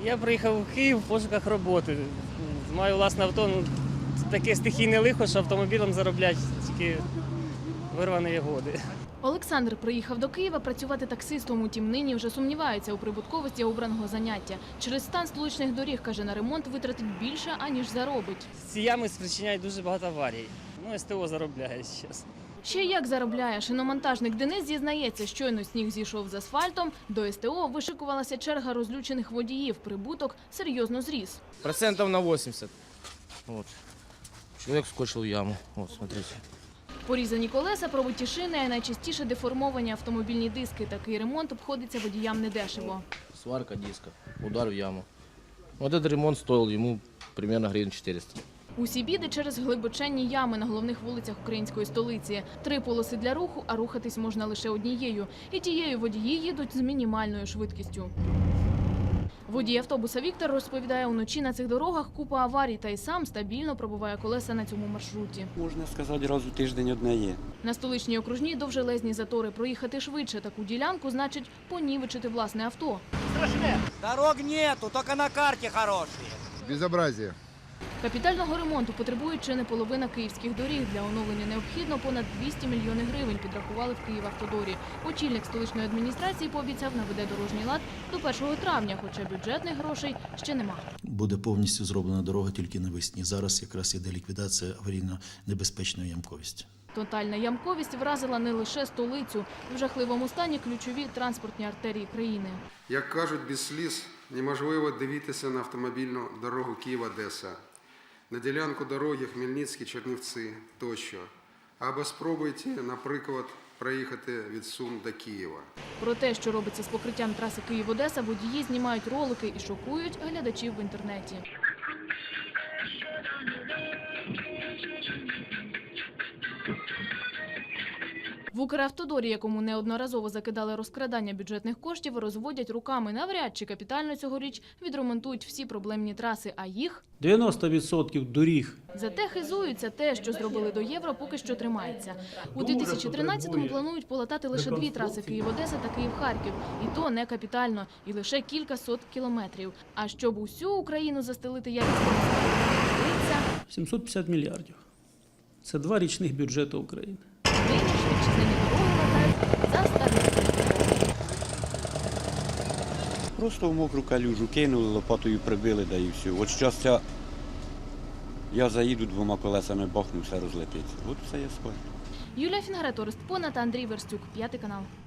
Я приїхав у Київ в пошуках роботи. Маю власне авто. Таке стихійне лихо, що автомобілем зароблять тільки вирвані годи. Олександр приїхав до Києва працювати таксистом, утім нині вже сумнівається у прибутковості обраного заняття. Через стан столичних доріг, каже, на ремонт витратить більше, аніж заробить. Ці ями спричиняють дуже багато аварій. СТО заробляє зараз. Ще як заробляє. Шиномонтажник Денис зізнається, щойно сніг зійшов з асфальтом, до СТО вишикувалася черга розлючених водіїв. Прибуток серйозно зріс. Процентов на 80. Вот. Человек скочил в яму. Вот, смотрите. Порізані колеса, пробиті шини, а найчастіше деформовані автомобільні диски. Такий ремонт обходиться водіям недешево. Сварка диска, удар в яму. Вот этот ремонт стоил ему примерно гривен 400. Усі біди через глибоченні ями на головних вулицях української столиці. 3 полоси для руху, а рухатись можна лише однією. І тією водії їдуть з мінімальною швидкістю. Водій автобуса Віктор розповідає, уночі на цих дорогах купа аварій, та й сам стабільно пробиває колеса на цьому маршруті. Можна сказати, раз у тиждень одне є. На столичній окружній довжелезні затори. Проїхати швидше таку ділянку значить понівечити власне авто. Дорог нету, только на карте хорошие. Безобразие. Капітального ремонту потребує чи не половина київських доріг. Для оновлення необхідно понад 200 мільйонів гривень, підрахували в Київавтодорі. Очільник столичної адміністрації пообіцяв, наведе дорожній лад до 1 травня, хоча бюджетних грошей ще нема. Буде повністю зроблена дорога тільки навесні. Зараз якраз іде ліквідація аварійно-небезпечної ямковості. Тотальна ямковість вразила не лише столицю. В жахливому стані ключові транспортні артерії країни. Як кажуть, без сліз неможливо дивитися на автомобільну дорогу Київ-Одеса, на ділянку дороги Хмельницький-Чернівці тощо. Або спробуйте, наприклад, проїхати від Сум до Києва. Про те, що робиться з покриттям траси Київ-Одеса, водії знімають ролики і шокують глядачів в інтернеті. В Укравтодорі, якому неодноразово закидали розкрадання бюджетних коштів, розводять руками. Навряд чи капітально цьогоріч відремонтують всі проблемні траси, а їх 90% доріг. зате хизуються. Те, що зробили до євро, поки що тримається. У 2013-му планують полатати лише 2 траси Київ-Одеса та Київ-Харків. І то не капітально, і лише кілька сот кілометрів. А щоб усю Україну застелити якісними асфальтом, 750 мільярдів. Це 2 річних бюджети України. нині вітчизняні дороги латають за старими. Просто в мокру калюжу кинули, лопатою прибили, да і все. От щастя, я заїду 2 колесами, бахну, все розлетиться. От все я скажу. Юлія Фінгрет, Орест Пона та Андрій Верстюк. 5 канал.